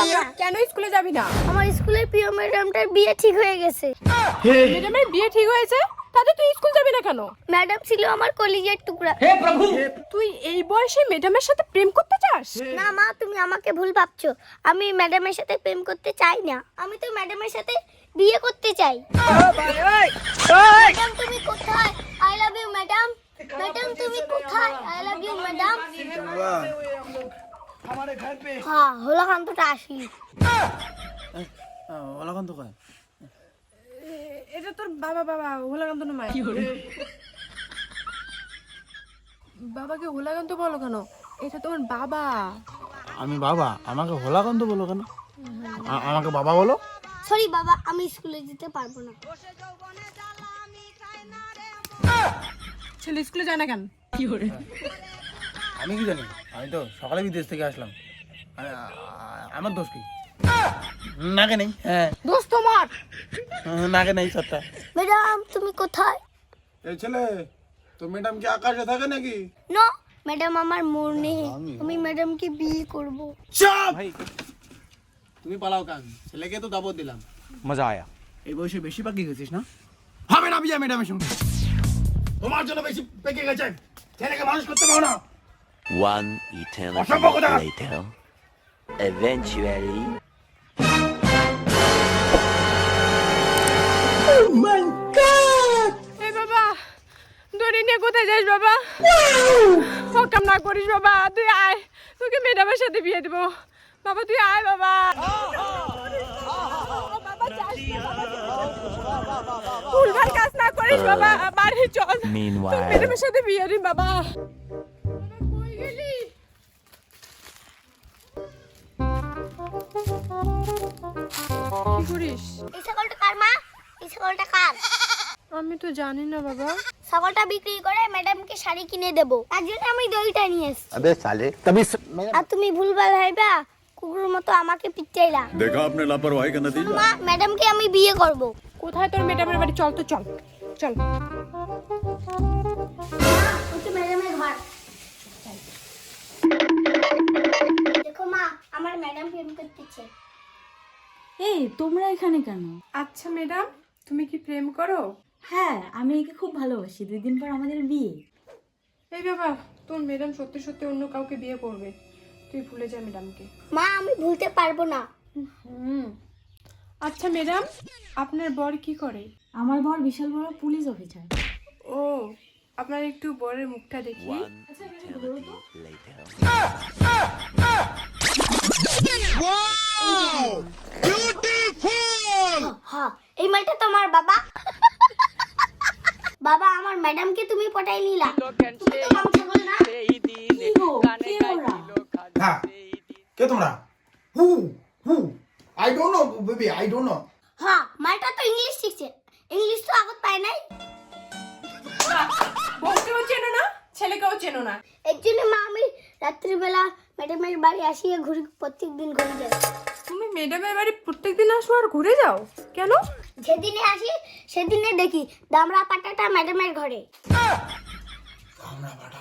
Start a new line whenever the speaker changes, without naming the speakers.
না।
কেন স্কুলে যাবি না?
আমার স্কুলের প্রিয় ম্যাডামটার বিয়ে ঠিক হয়ে গেছে।
ম্যাডামের বিয়ে ঠিক হয়েছে, তাতে তুই স্কুল যাবি না কেন?
ম্যাডাম ছিল আমার কলিজার টুকরা।
তুই এই বয়সে ম্যাডামের সাথে প্রেম করতে চাস?
না মা, তুমি আমাকে ভুল ভাবছো। আমি ম্যাডামের সাথে প্রেম করতে চাই না, আমি তো ম্যাডামের সাথে বিয়ে করতে চাই। ম্যাডাম তুমি কোথায়? I love you madam. Madam তুমি কোথায়? I love you madam. হ্যাঁ, হোলাকান্তটা আসি।
ওলাকান্ত কয়
এটা তোর বাবা হোলাকান্ত না মায়া? বাবাকে হোলাকান্ত বলো কেন? এটা তোমার বাবা।
আমি বাবা, আমাকে হোলাকান্ত বলো কেন? আমাকে বাবা বলো।
সরি বাবা, আমি স্কুলে যেতে পারবো না।
ছেলে স্কুলে যায় না কেন?
আমি কি জানি, আমি তো সকালে বিদেশ থেকে আসলাম। আমার দোষ কি? নাকে নেই। হ্যাঁ,
দোস্ত তোমার।
নাকে নেই সবটা।
ম্যাডাম তুমি কোথায়?
এই ছেলে, তো ম্যাডাম কি আকাশে থাকে নাকি?
নো, ম্যাডাম আমার মন নেই, আমি ম্যাডামকে বিয়ে করব।
চাপ! তুমি পালাও কান, ছেলেকে তো দাবত দিলাম।
মজা আয়া।
এই বয়সে বেশি পাকি গেছিস না? হবে না বিয়ে ম্যাডামের সঙ্গে। তোমার জন্য বেশি পেকে গেছে। ছেলেকে মানুষ করতে পারো না।
One eternity
অসম্ভব কথা।
later. Eventually.
এই বাবা, দড়ি নিয়ে কোথায় যাস বাবা? হকাম না করিস বাবা, তুই আয়, তোকে ম্যাডামের সাথে বিয়ে দিব। বাবা তুই আয় বাবা। ভুলভাল কাজ না করিস বাবা, বাড়ি চল।
Meanwhile.
তোর ম্যাডামের সাথে বিয়ে দিন বাবা। কই গেলি? কি করিস?
এই ছাগলটা কার মা? এই ছাগলটা কার?
আমি তো জানি না বাবা।
ছাগলটা বিক্রি করে ম্যাডামকে শাড়ি কিনে দেবো, তার জন্য আমি দইটা নিয়ে এসেছি।
अबे साले तभी
আর তুমি ভুলভাল ভাইবা কুকুরের মতো আমাকে পিটাইলা।
देखा आपने लापरवाही का नतीजा।
মা, ম্যাডামকে আমি বিয়ে করব।
কোথায় তোর ম্যাডামের বাড়ি? চল তো চল চল।
ওই তো ম্যাডামের ঘর। দেখো মা, আমার ম্যাডাম প্রেম করতেছে।
এই তোমরা এখানে কেন?
আচ্ছা ম্যাডাম, তুমি কি প্রেম করো?
হ্যাঁ, আমি একে খুব ভালোবাসি। 2 দিন পর আমাদের বিয়ে।
এই বাবা, তোর ম্যাডাম সত্যি সত্যি অন্য কাউকে বিয়ে করবে, তুই ভুলে যা ম্যাডামকে।
মা, আমি ভুলতে পারবো না।
আচ্ছা ম্যাডাম, আপনার বর কি করে?
আমার বর বিশাল বড় পুলিশ অফিসার।
ও, আপনার একটু বরের মুখটা দেখি।
one eternity later.
হ্যাঁ, এই মালটা তোমার বাবা। বাবা, আমার ম্যাডামকে তুমি পটাই নিলা। তুমি তো কম ছাগল না।
কি গো, কে ওরা?
হ্যাঁ, কে তোমরা? Who who I don't know baby, I don't know.
হ্যাঁ, মালটা তো ইংলিশ শিখছে। ইংলিশ তো আগত পায় নাই।
বউকেও চেনো না, ছেলেকেও চেনো না।
এর জন্য মা আমি রাত্রিবেলা ম্যাডামের বাড়ি আসিয়ে ঘুরি, প্রত্যেকদিন ঘুরে যাই।
তুমি ম্যাডামের বাড়ি প্রত্যেকদিন আসো আর ঘুরে যাও কেন?
যেদিনে আসি সেদিনে দেখি দামড়া পাটাটা ম্যাডামের ঘরে।
আমরা বাটা